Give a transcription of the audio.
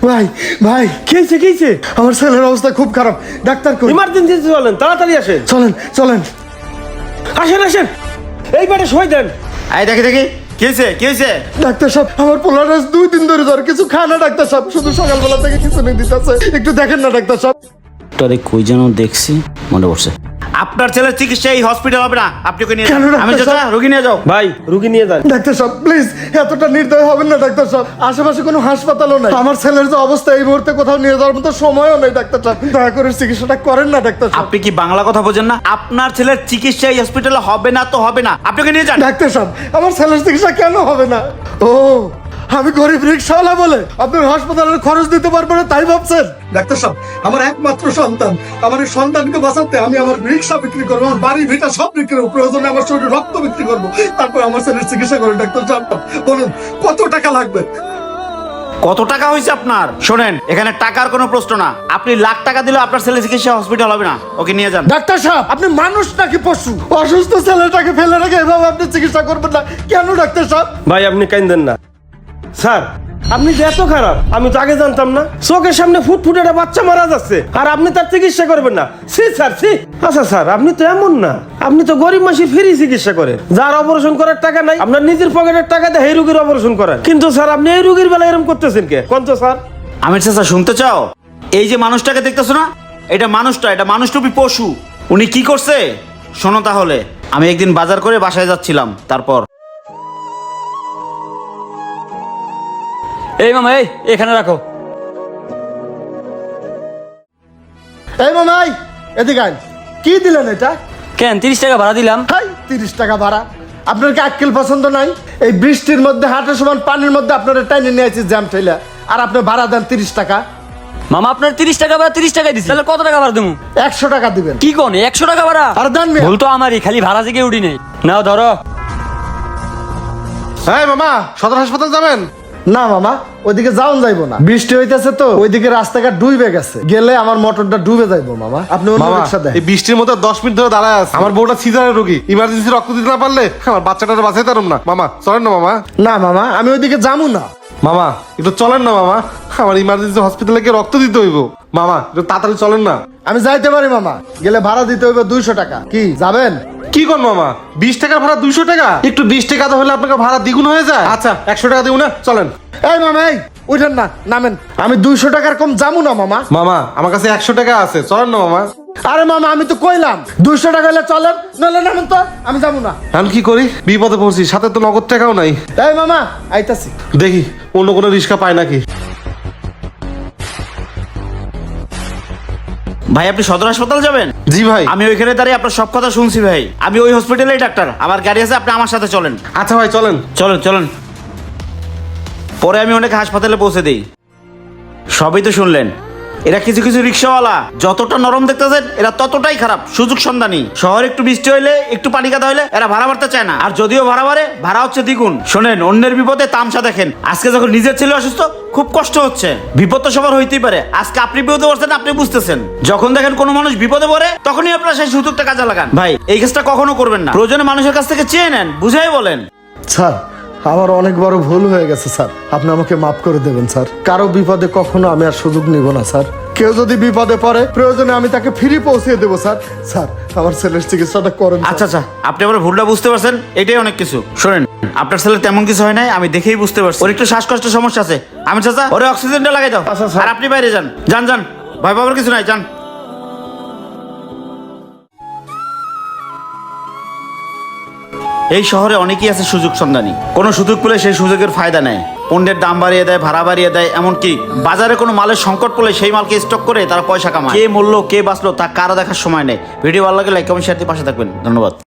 ভাই ভাই খেয়েছে খেয়েছে আমার ছেলের অবস্থা খুব খারাপ, ডাক্তার কই? ইমার্জেন্সি চলেন, তাড়াতাড়ি আসেন। চলেন চলেন। আসেন আসেন, এই বেটা সই দেন। এই দেখি কি হয়েছে? ডাক্তার সাহেব, আমার পোলার 2 দিন ধরে জ্বর, কিছু খায় না ডাক্তার সাহেব, শুধু সকালবেলা থেকে কিছু নিয়ে দিতেছে, একটু দেখেন না ডাক্তার সাহেব। ডাক্তারে কই যেন দেখছি, মনে পড়ছে। আপনার ছেলের চিকিৎসা এই হসপিটাল হবে না, আপনি ওকে নিয়ে কেন যান। ডাক্তার আমি চাচা সাহেব? রোগী নিয়ে যাও। ভাই রুগী নিয়ে যান। ডাক্তার সাহেব প্লিজ, এতটা নির্দয় হবেন না ডাক্তার সাহেব, আশেপাশে কোনো হাসপাতালও নাই, আমার ছেলের যে অবস্থা এই মুহূর্তে কোথাও নিয়ে যাওয়ার মতো সময়ও নেই ডাক্তার সাহেব, দয়া করে চিকিৎসাটা করেন না ডাক্তার সাহেব। আপনি কি বাংলা কথা বোঝেন না? আপনার ছেলের চিকিৎসা এই হসপিটালে হবে না তো হবে না, আপনি ওকে নিয়ে যান। ডাক্তার সাহেব, আমার ছেলের চিকিৎসা কেন হবে না? ও, আমি গরিব রিক্সাওয়ালা বলে আপনার হাসপাতালের খরচ দিতে পারবো না তাই ভাবছেন? ডাক্তার সাহেব, আমার একমাত্র সন্তান, আমার এই সন্তানকে বাঁচাতে আমি আমার রিক্সা বিক্রি করবো, আমার বাড়ি ভিটা সব বিক্রি করবো, প্রয়োজনে আমার শরীরে রক্ত বিক্রি করবো, তারপর আমার ছেলের চিকিৎসা করেন ডাক্তার সাহেব। বলুন কত টাকা লাগবে? কত টাকা হয়েছে আপনার? শোনেন, এখানে টাকার কোনো প্রশ্ন না, আপনি লাখ টাকা দিলে আপনার ছেলে চিকিৎসা হসপিটাল হবে না, ওকে নিয়ে যান। ডাক্তার সাহেব, আপনি মানুষ নাকি পশু? অসুস্থ ছেলেটাকে ফেলে রেখে এভাবে আপনি চিকিৎসা করবেন না কেন ডাক্তার সাহেব? ভাই আপনি কাইন্দেন না। স্যার আপনি যে এত খারাপ আমি তো আগে জানতাম না। চোখের সামনে ফুটফুটে একটা বাচ্চা মারা যাচ্ছে আর আপনি তার চিকিৎসা করবেন না? সি স্যার সি। আচ্ছা স্যার, আপনি তো এমন না, আপনি তো গরিব মানুষের ফ্রি চিকিৎসা করেন, যার অপারেশন করার টাকা নাই আপনার নিজের পকেটের টাকা দিয়ে এই রোগীর অপারেশন করেন। কিন্তু স্যার আপনি এই রোগীর বেলা এরকম করতেছেন কে? কোন তো স্যার? আমির চাচা শুনতে চাও? এই যে মানুষটাকে দেখতেছো না, এটা মানুষটুপি পশু। উনি কি করছে শোনো তাহলে। আমি একদিন বাজার করে বাসায় যাচ্ছিলাম, তারপর এই মামা, এই এখানে রাখো। এই মামাই, এদিকে আইন। কি দিলেন এটা? কেন 30 টাকা ভাড়া দিলাম? হাই, 30 টাকা ভাড়া? আপনার কি আক্কেল পছন্দ নাই? এই বৃষ্টির মধ্যে হাঁটার সমান পানির মধ্যে আপনারা টাইনে নিয়ে আসছি জ্যাম ঠেলা, আর আপনি ভাড়া দেন 30 টাকা? মামা আপনার 30 টাকা ভাড়া 30 টাকাই দিছি, তাহলে কত টাকা ভাড়া দেবো? 100 টাকা দিবেন। কি কোন 100 টাকা ভাড়া? আর দেন মিয়া। ভুল তো আমারই, খালি ভাড়া থেকে উঠি নেই। নাও ধরো। হ্যাঁ মামা, সদর হাসপাতাল যাবেন? না মামা, ওইদিকে যাওন যাইবো না, বৃষ্টি হইতেছে তো, ওইদিকে রাস্তাঘাট ডুবে গেছে, গেলে আমার মোটরটা ডুবে যাইবো মামা, আপনি অন্য মামা, রিক্সা দেন। এই বৃষ্টির মধ্যে 10 মিনিট ধরে দাঁড়ায় আছে, আমার বউটা সিজারের রোগী, ইমার্জেন্সি রক্ত দিতে না পারলে আমার বাচ্চাটা বাঁচাইতে পারুম না। মামা চলেন না মামা। না মামা, আমি ওইদিকে যাবো না। মামা একটু চলেন না মামা, আমার ইমার্জেন্সি হসপিটালে গিয়ে রক্ত দিতে হইব। মামা একটু তাড়াতাড়ি চলেন না। আমি যাইতে পারি মামা, গেলে ভাড়া দিতে হইবে 200 টাকা। কি যাবেন? কি কর মামা, 20 টাকার ভাড়া 200 টাকা? একটু 20 টাকা তো হলে আপনাকে ভাড়া দ্বিগুণ হয়ে যায়। আচ্ছা 100 টাকা দিব না, চলেন। এই মামা, এই উঠেন না, নামেন। আমি 200 টাকার কম যাবো না মামা। মামা আমার কাছে 100 টাকা আছে, চলেন না মামা। আরে মামা, আমি তো কইলাম 200 টাকা হলে চলেন, নইলে নামেন তো, আমি যাবো না। আমি কি করি, বিপদে পড়ছি, সাথে তো নগদ টাকাও নাই। এই মামা, আইতাছি। দেখি অন্য কোনো রিক্সা পায় নাকি। ভাই আপনি সদর হাসপাতাল যাবেন? জি ভাই। আমি ওইখানে দাঁড়িয়ে আপনার সব কথা শুনছি ভাই, আমি ওই হসপিটালেই ডাক্তার, আমার গাড়ি আছে, আপনি আমার সাথে চলেন। আচ্ছা ভাই চলেন। চলেন চলেন, পরে আমি অনেক হাসপাতালে পৌঁছে দিই। সবই তো শুনলেন, এরা কিছু কিছু রিক্সাওয়ালা যতটা নরম দেখতেছেন এরা ততটাই খারাপ, সুযোগ সন্ধানী। শহরে একটু বৃষ্টি হইলে, একটু পানি কাদা হইলে এরা ভাড়া বাড়তে চায় না, আর যদিও ভাড়া বাড়ে, ভাড়া হচ্ছে দ্বিগুণ। শোনেন, অন্যের বিপদে তামসা দেখেন। আজকে যখন নিজের ছেলে অসুস্থ, খুব কষ্ট হচ্ছে, বিপদ তো সবার হইতেই পারে। আজকে আপনি বিপদে পড়ছেন, আপনি বুঝতেছেন। যখন দেখেন কোনো মানুষ বিপদে পড়ে, তখনই আপনারা সেই সুযোগটা কাজে লাগান। ভাই এই কাজটা কখনো করবেন না, প্রয়োজনে মানুষের কাছ থেকে চেয়ে নেন, বুঝাই বলেন। স্যার, আমার অনেক বড় ভুল হয়ে গেছে স্যার, আপনি আমাকে মাফ করে দেবেন স্যার। কারো বিপদে কখনো আমি আর সুযোগ নিব না স্যার। কেউ যদি বিপদে পড়ে, প্রয়োজনে আমি তাকে ফ্রি পৌঁছে দেবো স্যার। স্যার, আমার ছেলের চিকিৎসাটা করেন। আচ্ছা আচ্ছা, আপনি আমার ভুলটা বুঝতে পারছেন, এটাই অনেক কিছু। শোনেন, আপনার ছেলে তেমন কিছু হয় নাই, আমি দেখেই বুঝতে পারছি। ওর একটু শ্বাসকষ্টের সমস্যা আছে। আমি চাচা ওরে অক্সিজেনটা লাগাই দাও। আচ্ছা, স্যার। আর আপনি বাইরে যান, যান যান, ভয় পাবার কিছু নাই, যান। এই শহরে অনেকেই আছে সুযোগ সন্ধানী, কোনো সুযোগ পেলে সেই সুযোগের ফায়দা নেয়, পণ্যের দাম বাড়িয়ে দেয়, ভাড়া বাড়িয়ে দেয়, এমনকি বাজারে কোনো মালের সংকট পড়লে সেই মালকে স্টক করে তারা পয়সা কামায়। কে মরলো কে বাঁচলো তা কারো দেখার সময় নেই। ভিডিও ভালো লাগে লাইক কমেন্ট শেয়ার দিয়ে পাশে থাকবেন। ধন্যবাদ।